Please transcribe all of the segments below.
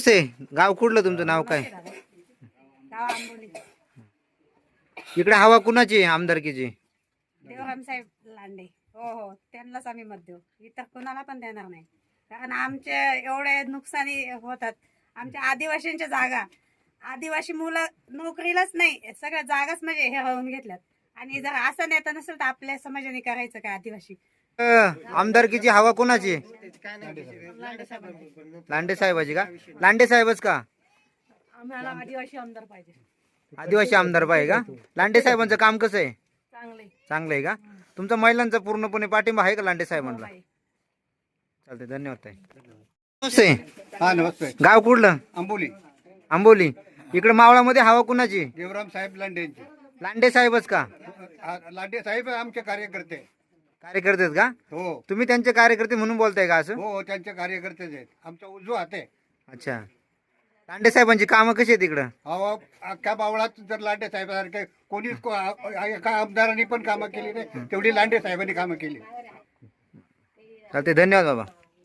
नमस्ते. गाव कुठलं तुमचं, नाव काय? गाव आंबोली. इकडे हवा कुणाची आहे आमदारकीची? देवराम साहेब लांडे. हो हो, त्यांनाच आम्ही मत देऊ, इतर कोणाला पण देणार नाही. कारण आमचे एवढे नुकसानी होतात. आमच्या आदिवासींच्या जागा, आदिवासी मुलं नोकरीलाच नाही, सगळ्या जागाच म्हणजे हे होऊन घेतल्यात. आणि जर असं नेता नसेल तर आपल्या समाजाने करायचं काय? आदिवासी आमदारकीची हवा कोणाची? लांडे साहेबाची का? लांडे साहेबच का? आम्हाला आदिवासी आमदार पाहिजे. आदिवासी आमदार पाहिजे का? लांडे साहेबांचं काम कसं आहे? चांगले. चांगलं आहे का? तुमचा महिलांचा पूर्णपणे पाठिंबा आहे का लांडे साहेबांना? चालते, धन्यवाद ताई. नमस्ते. हा नमस्ते. गाव कुठलं? आंबोली. आंबोली. इकडे मावळामध्ये हवा कुणाची? देवराम साहेब लांडेंचे. लांडे साहेबच का? लांडे साहेब आमचे कार्यकर्ते. कार्यकर्ते आहेत का? हो तुम्ही त्यांचे कार्यकर्ते म्हणून बोलताय का असं? हो, त्यांचे कार्यकर्तेच आहेत. आमचा उजवा हात आहे. अच्छा. लांडे साहेबांची कामं कशी आहेत इकडं? अहो, अख्ख्या बावळात जर लांडे साहेबांसारखे कोणीच एका आमदारांनी पण कामं केली नाही, तेवढी लांडे साहेबांनी कामं केली. चालते, धन्यवाद बाबा.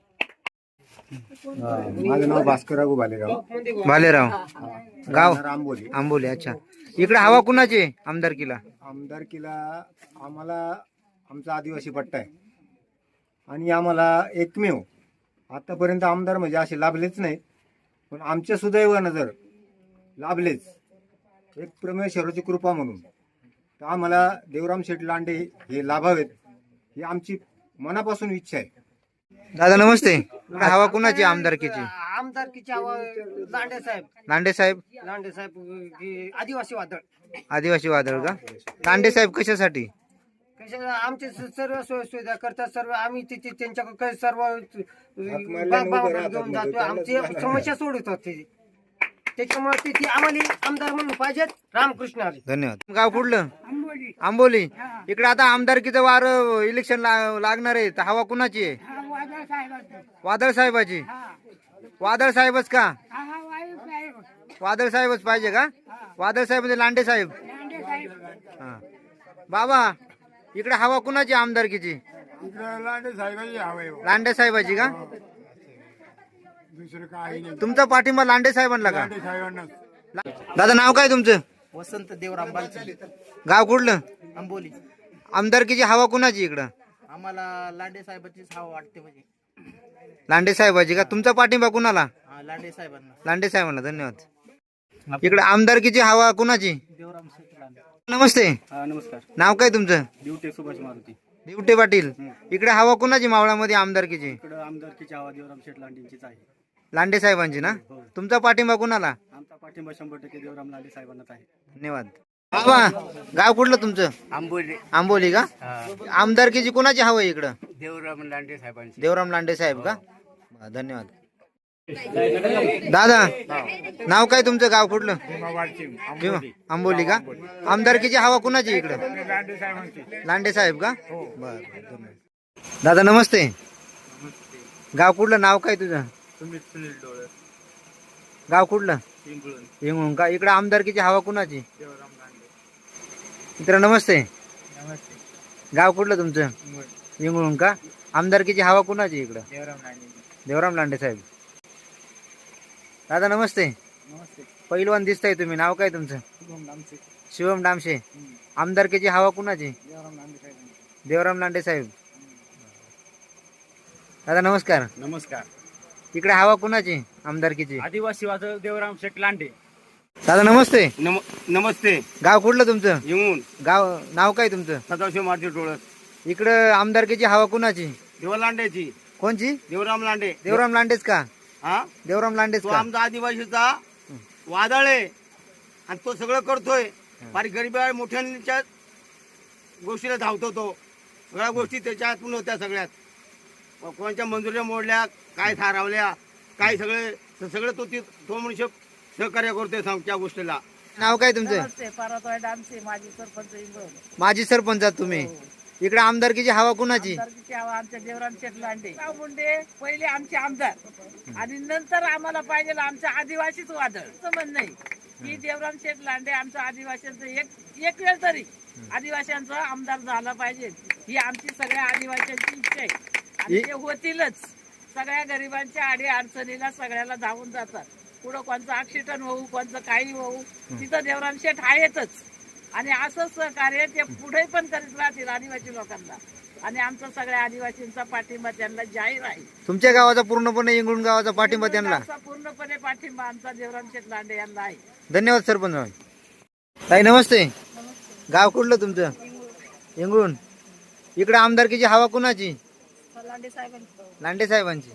माझं नाव भास्करराव भालेराव. भालेराव. गाव आंबोली. आंबोली. अच्छा. इकडे हवा कुणाची आहे आमदारकीला? आमदारकीला आम्हाला आमचा आदिवासी पट्टा आहे आणि आम्हाला एकमेव आतापर्यंत आमदार म्हणजे असे लाभलेच नाहीत, पण आमच्या सुदैवानं जर लाभलेच, एक परमेश्वराची कृपा म्हणून, तर आम्हाला देवराम शेठ लांडे हे लाभावेत ही आमची मनापासून इच्छा आहे. दादा नमस्ते. इकडे हवा कुणाची आमदारकीची? आमदारकीची हवा लांडे साहेब. लांडे साहेब. लांडे साहेब आदिवासी वादळ. आदिवासी वादळ का? लांडे साहेब कशासाठी? आमचे सर्व सोय सुविधा करतात. सर्व आम्ही तिथे त्यांच्याकडे सर्व घेऊन जातो. आमची समस्या सोडवतात ते. त्याच्यामुळे तिथे आम्हाला आमदार म्हणून पाहिजेत. रामकृष्ण हरी. धन्यवाद. गाव कुठलं? आंबोली. आंबोली. इकडे आता आमदारकीचं वार इलेक्शन लागणार आहे, तर हवा कुणाची आहे? वादळ साहेब. वादळ साहेबाची. वादळ साहेबच का? वादळ साहेबच पाहिजे का? वादळ साहेब म्हणजे लांडे साहेब. हा. बाबा, इकडे हवा कुणाची आमदारकीची? लांडे साहेबांची हवा आहे. लांडे साहेबाची का? दुसरं काही नाही. तुमचा पाठिंबा लांडे साहेबांना का? साहेबांना. दादा नाव काय तुमचं? वसंत देवराम बालचे. गाव कुठलं? आंबोली. आमदारकीची हवा कुणाची इकडं? आम्हाला लांडे साहेबांचीच हवा वाटते. म्हणजे लांडे साहेबाची का? तुमचा पाठिंबा कुणाला? लांडे साहेबांना. लांडे साहेबांना. धन्यवाद. इकडे आमदारकीची हवा कुणाची? देवराम शेठ लांडे. नमस्ते. नमस्कार. नाव काय तुमचं? ड्युटी सुभाष मारुती. दिवटे पाटील. इकडे हवा कुणाची मावळामध्ये आमदारकीची? इकडं आमदारकीची हवा देवराम शेठ लांडेंचीच आहे. लांडे साहेबांची ना? तुमचा पाठिंबा कुणाला? आमचा पाठिंबा 100% देवराम लांडे साहेबांनाच आहे. धन्यवाद. बाबा, गाव कुठलं तुमचं? आंबोली. आंबोली का? आमदारकीची कुणाची हवा आहे इकडं? देवराम लांडे साहेबांची. देवराम लांडे साहेब का? धन्यवाद. दादा नाव काय तुमचं? गाव कुठलं? आंबोली का? आमदारकीची हवा कुणाची इकडं? लांडे साहेब का? बर. दादा नमस्ते. गाव कुठलं? नाव काय तुझं? गाव कुठलं? हिंगळून का? इकडे आमदारकीची हवा कुणाची? मित्र नमस्ते. गाव कुठलं तुमचं? हिंगळून का? आमदारकीची हवा कुणाची इकडं? देवराम लांडे साहेब. दादा नमस्ते. पहिलवान दिसताय तुम्ही, नाव काय तुमचं? शिवम डामशे. आमदारकीची हवा कुणाची? देवराम लांडे साहेब. दादा नमस्कार. नमस्कार. इकडे हवा कुणाची आमदारकीची? आदिवासी वादळ देवराम शेठ लांडे. दादा नमस्ते. नमस्ते. गाव कुठलं तुमचं? येऊन गाव नाव काय तुमचं? सदाशिव मारुती टोळस. इकडं आमदारकीची हवा कुणाची? देवराम लांडेची. कोणची? देवराम लांडे. देवराम लांडेच का? हा, देवराम लांडेच तो का? आमचा आदिवासीचा वादळ आहे आणि तो सगळं करतोय. फार गरीब मोठ्यांच्या गोष्टीला धावतो तो. सगळ्या गोष्टी त्याच्यातून होत्या. सगळ्यात कोणाच्या मंजुऱ्या मोडल्या, काय थारावल्या, काय सगळं तो मनुष्य सहकार्य करतोय त्या गोष्टीला. नाव काय तुमचं? परतवाय डान्से. माझी सरपंच इंगळ. माजी सरपंच आहात तुम्ही. इकडे आमदारकीची हवा कुणाची? आमच्या देवराम शेठ लांडे. मुंडे पहिले आमचे आमदार आणि नंतर आम्हाला पाहिजे आमच्या आदिवासीच वादळ. असं म्हणणं नाही की देवराम शेठ लांडे आमच्या आदिवासींचं एक वेळ तरी आदिवासींचा आमदार झाला पाहिजे, ही आमची सगळ्या आदिवासींची इच्छा आहे. आणि ते होतीलच. सगळ्या गरिबांच्या आडी अडचणीला सगळ्याला धावून जातात. पुढं कोणचं ऍक्सिडेंट होऊ कोणचं काही होऊ तिथं देवराम शेठ आहेतच आणि असंच सहकार्य ते पुढे पण करीत राहतील आदिवासी लोकांना आणि आमचा सगळ्या आदिवासींचा पाठिंबा त्यांना जाहीर आहे. तुमच्या गावाचा पूर्णपणे इंगळूण गावाचा पाठिंबा त्यांना. आमचा पूर्णपणे पाठिंबा आमचा देवराम शेठ लांडे यांना आहे. धन्यवाद सरपंच. ताई नमस्ते. गाव कुठलं तुमचं? इंगळूण. इकडे आमदारकीची हवा कुणाची? लांडे साहेबांची.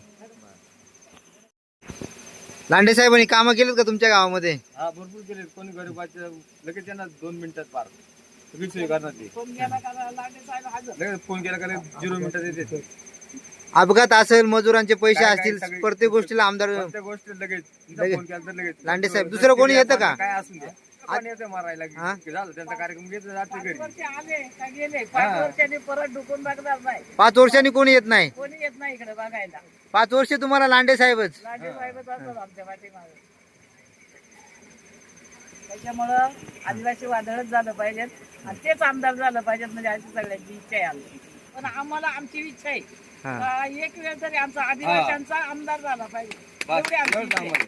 लांडे साहेबांनी कामं केलीत का तुमच्या गावामध्ये? हा भरपूर केले. कोणी गरीबाच्या लगेच त्यांना 2 मिनिटात पार सगळी सोय करणार ते. फोन केला का लांडे साहेब हजर. लगेच फोन केला का 0 मिनिटात येते. अपघात असेल, मजुरांचे पैसे काय असतील, सगळी- प्रत्येक गोष्टीला आमदार प्रत्येक गोष्ट लगेच लगेच. फोन केला तर लगेच लांडे साहेब. दुसरं कोणी येतं का? काय असून द्या कोणी येतं मारायला हा? की झालं त्यांचा कार्यक्रम घेतला जाते 5 घरी. वर्ष आले का गेले 5 वर्षांनी परत ढुकून बघणार नाही. 5 वर्षांनी कोणी येत नाही. कोणी येत नाही इकडे बघायला. 5 वर्ष तुम्हाला लांडे साहेबच. लांडे साहेबच असतात आमच्या पाठीमागे. त्याच्यामुळं आदिवासी वादळच झालं पाहिजेत आणि तेच आमदार झालं पाहिजेत म्हणजे अशी सगळ्यांची इच्छा आहे आमची. पण आम्हाला आमची इच्छा आहे हा. का एक वेळ तरी आमचा आदिवासींचा आमदार झाला पाहिजे एवढी आमची इच्छा आहे.